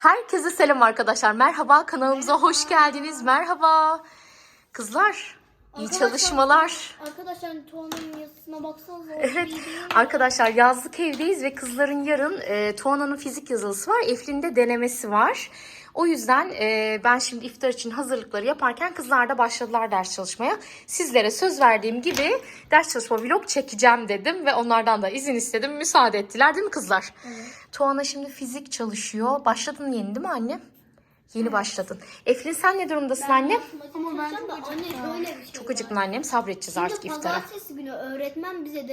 Herkese selam arkadaşlar. Merhaba, kanalımıza hoş geldiniz. Merhaba. Kızlar, iyi çalışmalar. Arkadaşlar Tuana'nın yazısına baksanıza. Evet arkadaşlar, yazlık evdeyiz ve kızların yarın Tuana'nın fizik yazılısı var. Eflin'in de denemesi var. O yüzden ben şimdi iftar için hazırlıkları yaparken kızlar da başladılar ders çalışmaya. Sizlere söz verdiğim gibi ders çalışma vlog çekeceğim dedim ve onlardan da izin istedim. Müsaade ettiler değil mi kızlar? Evet. Tuana şimdi fizik çalışıyor. Başladın yeni değil mi anne? Yeni başladın. Eflin sen ne durumdasın anne? Ama ben Çok acıktın annem. Sabredeceğiz artık Şimdi iftara. pazartesi günü öğretmen bize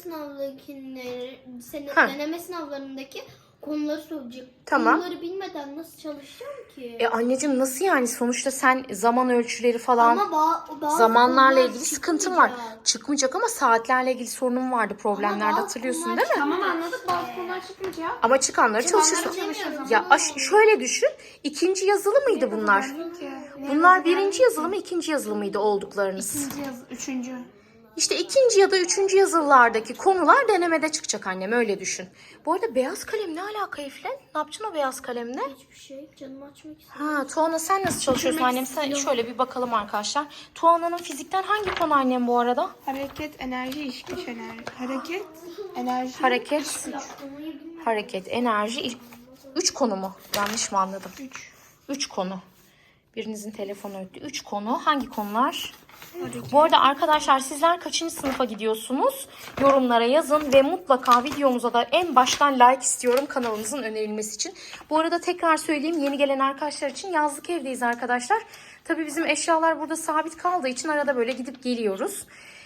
deneme sınavlarındaki konuları soracak. Tamam. Konuları bilmeden nasıl çalışacağım ki? Anneciğim nasıl yani? Sonuçta sen zaman ölçüleri falan Ama zamanlarla konular ilgili sıkıntın var. çıkmayacak. Çıkmayacak ama saatlerle ilgili sorunum vardı. Problemlerde bazı hatırlıyorsun konular değil mi? Tamam anladık, bazı konular çıkmayacak. Ama çıkanları çalışırsın. çalışıyoruz. Ya şöyle düşün. İkinci yazılı mıydı bunlar? Bunlar birinci yazılı mı, ikinci yazılı mıydı olduklarınız? İkinci yaz, üçüncü. İşte ikinci ya da üçüncü yazılılardaki konular denemede çıkacak annem, öyle düşün. Bu arada beyaz kalem ne alaka Eflen? Ne yapacaksın o beyaz kalemle? Hiçbir şey. Canımı açmak istiyorum. Ha, Tuana sen nasıl çalışıyorsun annem? Sen şöyle bir bakalım arkadaşlar. Tuana'nın fizikten hangi konu annem bu arada? Hareket, enerji, iş güç, enerji. Hareket, enerji. Hareket, enerji. 3 konu mu? Yanlış mı anladım? 3. 3 konu. Birinizin telefonu öttü. 3 konu. Hangi konular? Bu arada arkadaşlar sizler kaçıncı sınıfa gidiyorsunuz? Yorumlara yazın ve mutlaka videomuza da en baştan like istiyorum kanalımızın önerilmesi için. Bu arada tekrar söyleyeyim, yeni gelen arkadaşlar için yazlık evdeyiz arkadaşlar. Tabii bizim eşyalar burada sabit kaldığı için arada böyle gidip geliyoruz.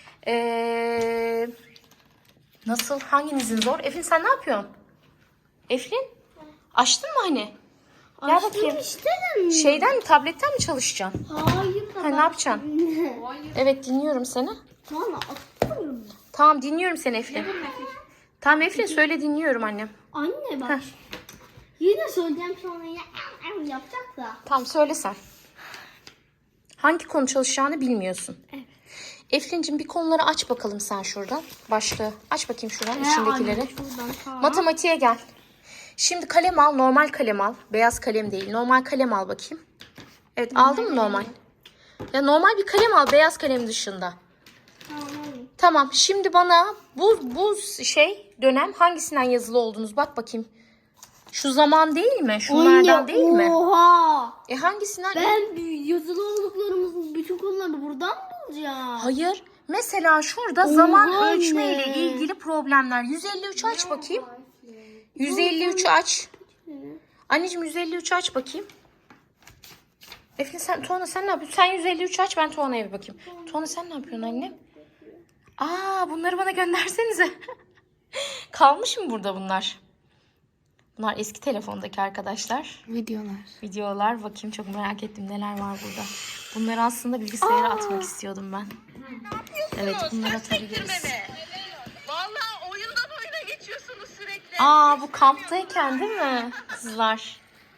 Nasıl? Hanginizin zor? Eflin sen ne yapıyorsun? Eflin? Açtın mı hani? Gel bakayım. Şeyden mi, tabletten mi çalışacaksın? Hayır. Ha, ne yapacaksın? Evet, dinliyorum seni. Tamam atıyorum. Tamam, dinliyorum seni Eflin. Tamam Eflin, söyle, dinliyorum annem. Anne bak. Yine söyleyeceğim sonra yapacak da. Tamam, söyle sen. Hangi konu çalışacağını bilmiyorsun. Evet. Eflin'cim bir konuları aç bakalım sen şuradan. Başlığı. Aç bakayım şuradan içindekileri. Anne, şuradan, tamam. Matematiğe gel. Şimdi kalem al. Normal kalem al. Beyaz kalem değil. Normal kalem al bakayım. Evet, aldın mı normal? Ya normal bir kalem al. Beyaz kalem dışında. Tamam. Şimdi bana bu dönem hangisinden yazılı oldunuz? Bak bakayım. Şu zaman değil mi? Şunlardan Anne, değil mi? Oha. Hangisinden? Ben yazılı olduklarımızın bütün konularını buradan mı bulacağım? Hayır. Mesela şurada zaman Oha ölçme ile anne. ilgili problemler. 153 aç bakayım. 153 aç. Anneciğim 153 aç bakayım. Efendim Tuana sen ne yapıyorsun? Sen 153 aç, ben Tuana'ya bir bakayım. Tuana sen ne yapıyorsun anne? Bunları bana göndersenize. Kalmış mı burada bunlar? Bunlar eski telefondaki arkadaşlar. Videolar. Bakayım, çok merak ettim neler var burada. Bunları aslında bilgisayara atmak istiyordum ben. Evet, bunları atabiliriz. Vallahi oyundan oyuna geçiyorsunuz sürekli. Bu kamptayken değil mi kızlar?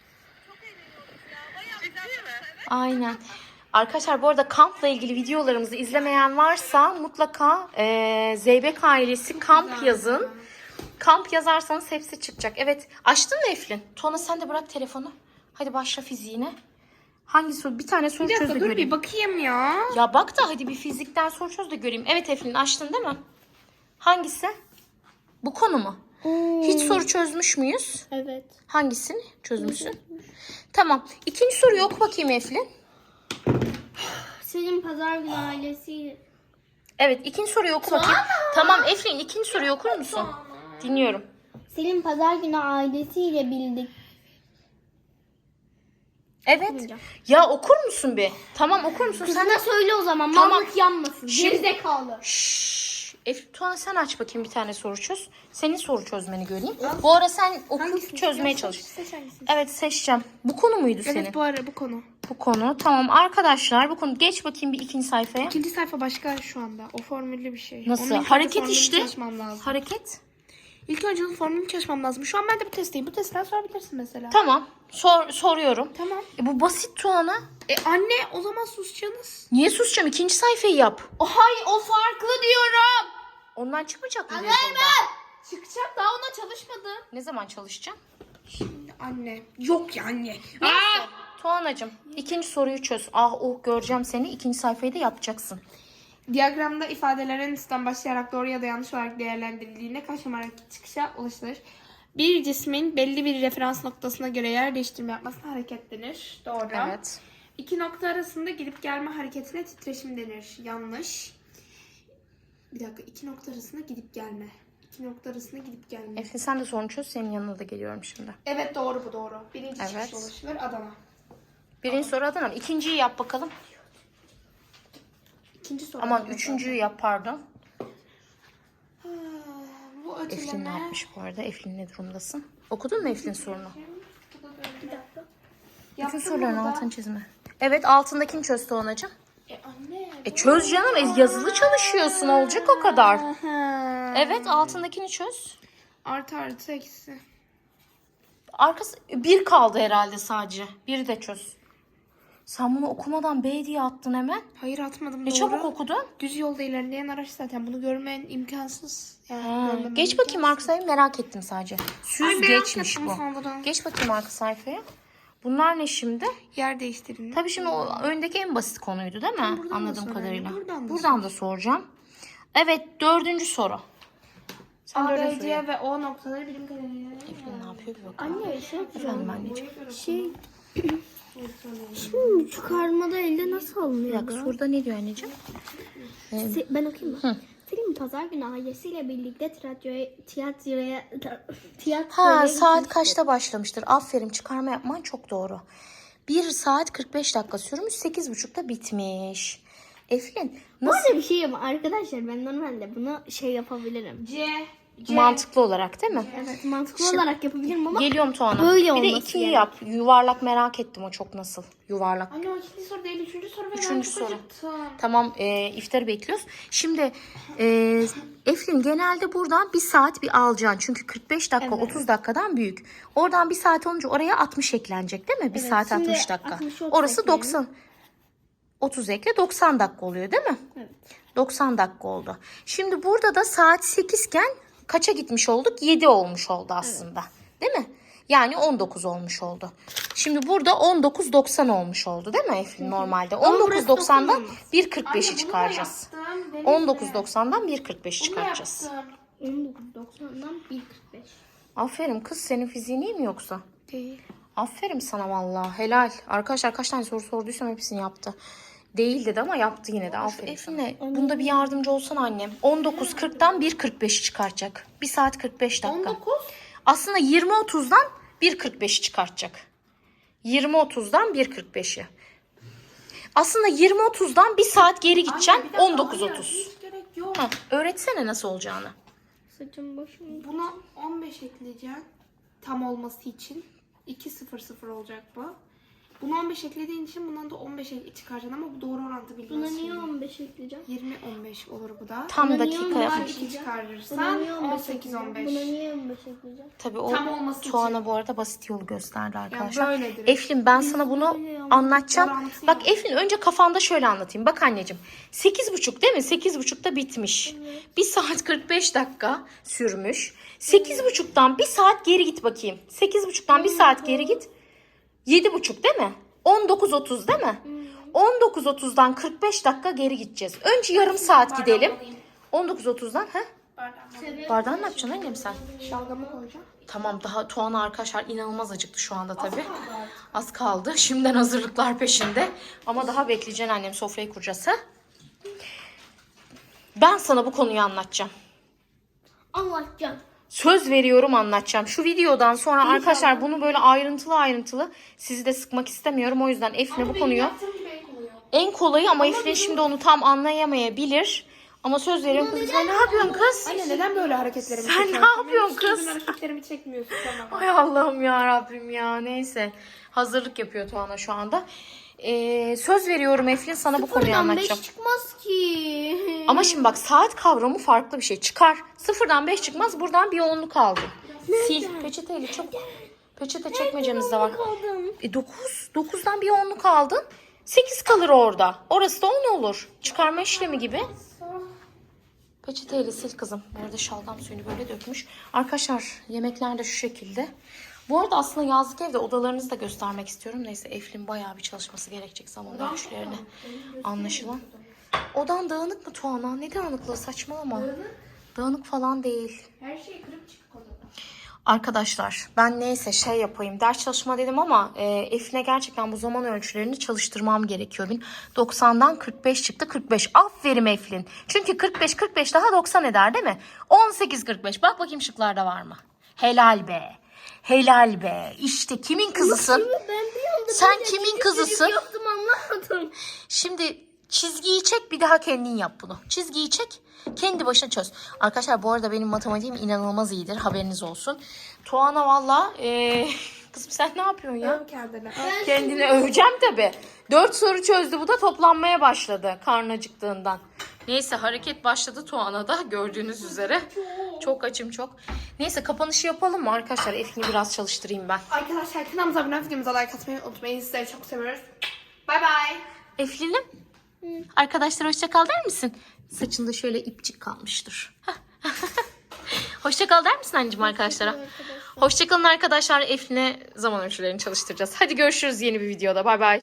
Ciddi mi? Aynen. Arkadaşlar bu arada kampla ilgili videolarımızı izlemeyen varsa mutlaka Zeybek ailesi kamp yazın. Kamp yazarsanız hepsi çıkacak. Evet, açtın mı Eflin? Tuana sen de bırak telefonu. Hadi başla fiziğine. Hangi soru? Bir tane soru çöz de Dur göreyim. bir bakayım ya. Ya bak da hadi bir fizikten soru çöz de göreyim. Evet Eflin, açtın değil mi? Hangisi? Bu konu mu? Hiç soru çözmüş müyüz? Evet. Hangisini çözmüşsün? Tamam. İkinci soruyu oku bakayım Eflin. Senin pazar günü ailesi. Evet, ikinci soruyu oku bakayım. Tamam Eflin, ikinci soruyu okur musun? Dinliyorum. Senin pazar günü ailesiyle bildik. Evet. Ya okur musun bir? Tamam, okur musun? Sen Kızına söyle o zaman. Tamam. Mallık yanmasın. Şimdi- Gerizekalı. Tuana sen aç bakayım, bir tane soru çöz. Senin soru çözmeni göreyim. Bu ara sen okuyup çözmeye çalış. Evet, seçeceğim. Bu konu muydu senin? Evet, bu konu. Bu konu. Tamam arkadaşlar, bu konu. Geç bakayım bir ikinci sayfaya. İkinci sayfa başka şu anda. O formüllü bir şey. Nasıl? Onun ilk önce Hareket formülünü işte. çalışmam lazım. Hareket. İlk önce onun formülünü çalışmam lazım. Şu an ben de bu testteyim. Bu testten sorabilirsin mesela. Tamam. Soruyorum. Tamam. Bu basit Tuana. Anne o zaman susacaksınız. Niye susacağım? İkinci sayfayı yap. Hayır, o farklı diyorum. Ondan çıkmayacak mı? Anne ben. Çıkacak, daha ona çalışmadım. Ne zaman çalışacaksın? Şimdi Anne. Yok ya anne. Tuanacığım ikinci soruyu çöz. Ah oh göreceğim seni. İkinci sayfayı da yapacaksın. Diyagramda ifadelerin üstten başlayarak doğru ya da yanlış olarak değerlendirildiğinde kaç numaralı çıkışa ulaşılır? Bir cismin belli bir referans noktasına göre yer değiştirme yapmasına hareket denir. Doğru. Evet. İki nokta arasında gidip gelme hareketine titreşim denir. Yanlış. Bir dakika. İki nokta arasında gidip gelme. İki nokta arasında gidip gelme. Efendim sen de sorunu çöz. Senin yanına da geliyorum şimdi. Evet doğru bu doğru. Birinci Evet. çıkışa ulaşılır Adana. Birinci soru Adana. İkinciyi yap bakalım. İkinci soru. Aman Adana. üçüncüyü yap pardon. Ha, bu Eflin ne öteleme. yapmış bu arada? Eflin ne durumdasın? Okudun mu Eflin sorunu? Bir dakika. Bütün Yaptım soruların burada. altını çizme. Evet altındakini çöz Tuanacığım. Anne. Çöz canım. Yazılı çalışıyorsun. Olacak o kadar. Aha. Evet altındakini çöz. Artı eksi. Arkası bir kaldı herhalde sadece. Biri de çöz. Sen bunu okumadan B diye attın hemen. Hayır atmadım Ne doğru. çabuk okudun. Düz yolda ilerleyen araç zaten. Bunu görmen imkansız. Yani Ha, görmemen geç bakayım arka sayfayı merak ettim sadece. Ay, Süz merak geçmiş ettim bu. sanırım. Geç bakayım arka sayfaya. Bunlar ne şimdi? Yer değiştirin. Tabii şimdi o öndeki en basit konuydu değil mi? buradan da Anladığım sorayım, kadarıyla. buradan da da soracağım. Evet dördüncü soru. Sen A, dördüncü B, soruyu yap. C ve O noktaları birim karelerine. Eflin ne yapıyor bir bakalım. Anne şey Efendim anneciğim. Şey şimdi çıkarmada elde nasıl Bir alınıyor? dakika soruda ne diyor anneciğim? Ben okuyayım mı? Film pazar günü ailesiyle birlikte tiyatroya Ha saat kaçta başlamıştır? Aferin çıkarma yapman çok doğru. 1 saat 45 dakika sürmüş 8.30'da bitmiş. Eflin Bu nasıl arada bir şey ama arkadaşlar ben normalde bunu şey yapabilirim. mantıklı olarak değil mi? Evet mantıklı olarak yapabilirim ama Geliyorum Tuana. böyle Bir de olması ikiyi gerek. yap. Yuvarlak merak ettim o çok nasıl. Yuvarlak. Anne o ikinci soru değil. Üçüncü soru ve ben Üçüncü çok soru. acıktım. Tamam iftarı bekliyoruz. Şimdi Eflin genelde buradan 1 saat bir alacaksın. Çünkü 45 dakika 30 dakikadan büyük. Oradan 1 saat olunca oraya 60 eklenecek değil mi? 1 saat şimdi 60 dakika. 60, 30 Orası ekleyelim. 90. 30 ekle 90 dakika oluyor değil mi? Evet. 90 dakika oldu. Şimdi burada da saat 8 iken kaça gitmiş olduk? 7 olmuş oldu aslında. Değil mi? Yani 19 olmuş oldu. Şimdi burada 19.90 olmuş oldu değil mi Eflin normalde? 19.90'dan 1.45'i çıkaracağız. 19.90'dan 1.45'i çıkaracağız. 19.90'dan 1.45. Aferin kız senin fiziğin iyi mi yoksa? Değil. Aferin sana vallahi helal. Arkadaşlar kaç tane soru sorduysam hepsini yaptı. Değil dedi ama yaptı yine de. Aferin Eflin'e bunda bir yardımcı olsan annem. 19.40'dan 1.45'i çıkartacak. 1 saat 45 dakika. 19. Aslında 20.30'dan 1.45'i çıkartacak. 20.30'dan 1.45'i. Aslında 20.30'dan 1 saat geri gideceksin. 19.30. Hiç gerek yok. Heh, öğretsene nasıl olacağını. Saçım başım. Buna 15 ekleyeceğim. Tam olması için. 2.00 olacak bu. Bunu 15 eklediğin için bundan da 15 çıkaracaksın ama bu doğru orantı Buna bilmiyorsun. niye 15 ekleyeceğim? 20-15 olur bu da. Tam Buna dakika niye yap. 2 Buna çıkarırsan niye 15 ekleyeceğim? 18-15. Buna niye 15 ekleyeceğim? Tabii o Tam olması için. Tuana bu arada basit yolu gösterdi arkadaşlar. böyledir. Eflin ben sana bunu böyle anlatacağım. Orantı Bak yok. Eflin önce kafanda şöyle anlatayım. Bak anneciğim 8.30 değil mi? 8.30'da bitmiş. 1 saat 45 dakika sürmüş. 8.30'dan 1 saat geri git bakayım. 8.30'dan 1 saat geri git. 7.30 değil mi? 19.30 değil mi? 19.30'dan 45 dakika geri gideceğiz. Önce yarım saat gidelim. 19.30'dan ha? Bardağını ne yapacaksın annem sen? Şalgamı koyacağım. Tamam daha Tuana arkadaşlar inanılmaz acıktı şu anda tabii. Az kaldı. Şimdiden hazırlıklar peşinde. Ama daha bekleyeceksin annem sofrayı kuracağız ha? Ben sana bu konuyu anlatacağım. Anlatacağım. Söz veriyorum anlatacağım. Şu videodan sonra arkadaşlar bunu böyle ayrıntılı sizi de sıkmak istemiyorum. O yüzden Efne bu konuyu en kolayı ama Efne şimdi onu tam anlayamayabilir. Ama söz veriyorum kızım. Sen ne yapıyorsun kız? Anne neden böyle hareketlerimi Sen ne çekiyorsun? yapıyorsun Benim kız? hiç hareketlerimi çekmiyorsun sana. Ay Allah'ım ya Rabbim ya. Neyse. Hazırlık yapıyor Tuana şu anda. Söz veriyorum Eflin sana bu konuyu Buradan 5 anlatacağım. çıkmaz ki. Ama şimdi bak saat kavramı farklı bir şey. Çıkar. 0'dan 5 çıkmaz. Buradan bir 10'luk aldın. Sil. Peçeteyle çabuk. Peçete çekmecemiz de var. Kaldım. 9. 9'dan bir 10'luk aldın. 8 kalır orada. Orası da 10 olur. Çıkarma işlemi gibi. Peçeteyle sil kızım. Bu arada şalgam suyunu böyle dökmüş. Arkadaşlar yemekler de şu şekilde. Bu arada aslında yazlık evde odalarınızı da göstermek istiyorum. Neyse Eflin bayağı bir çalışması gerekecek zaman ölçülerini. Anlaşılan. Odan dağınık mı Tuana? Ne dağınıklığı, saçmalama. Dağınık falan değil. Her şeyi kırıp çıkıp odada. Arkadaşlar ben neyse şey yapayım, ders çalışma dedim ama Eflin'e gerçekten bu zaman ölçülerini çalıştırmam gerekiyor. 90'dan 45 çıktı, 45. Aferin Eflin. Çünkü 45 daha 90 eder değil mi? 18-45. Bak bakayım şıklarda var mı? Helal be. Helal be. İşte kimin kızısın? Ben bir anda Sen böyle kimin çocuk kızısın? yaptım, anlamadım. Şimdi çizgiyi çek, bir daha kendin yap bunu. Çizgiyi çek, kendi başına çöz. Arkadaşlar bu arada benim matematiğim inanılmaz iyidir, haberiniz olsun. Tuana valla kızım sen ne yapıyorsun ya? Öv kendini. Kendini öveceğim tabii. 4 soru çözdü, bu da toplanmaya başladı karnı acıktığından. Neyse hareket başladı Tuana'da gördüğünüz üzere. Çok açım çok. Neyse kapanışı yapalım mı arkadaşlar? Eflin'i biraz çalıştırayım ben. Arkadaşlar kanalımıza abone olup videomuza like atmayı unutmayın. Sizleri çok seviyoruz. Bay bay. Eflin'im. Arkadaşlar hoşça kal der misin? Saçında şöyle ipçik kalmıştır. Hoşça kal der misin anneciğim arkadaşlara? Hoşça kalın arkadaşlar. Eflin'e zaman ölçülerini çalıştıracağız. Hadi görüşürüz yeni bir videoda. Bay bay.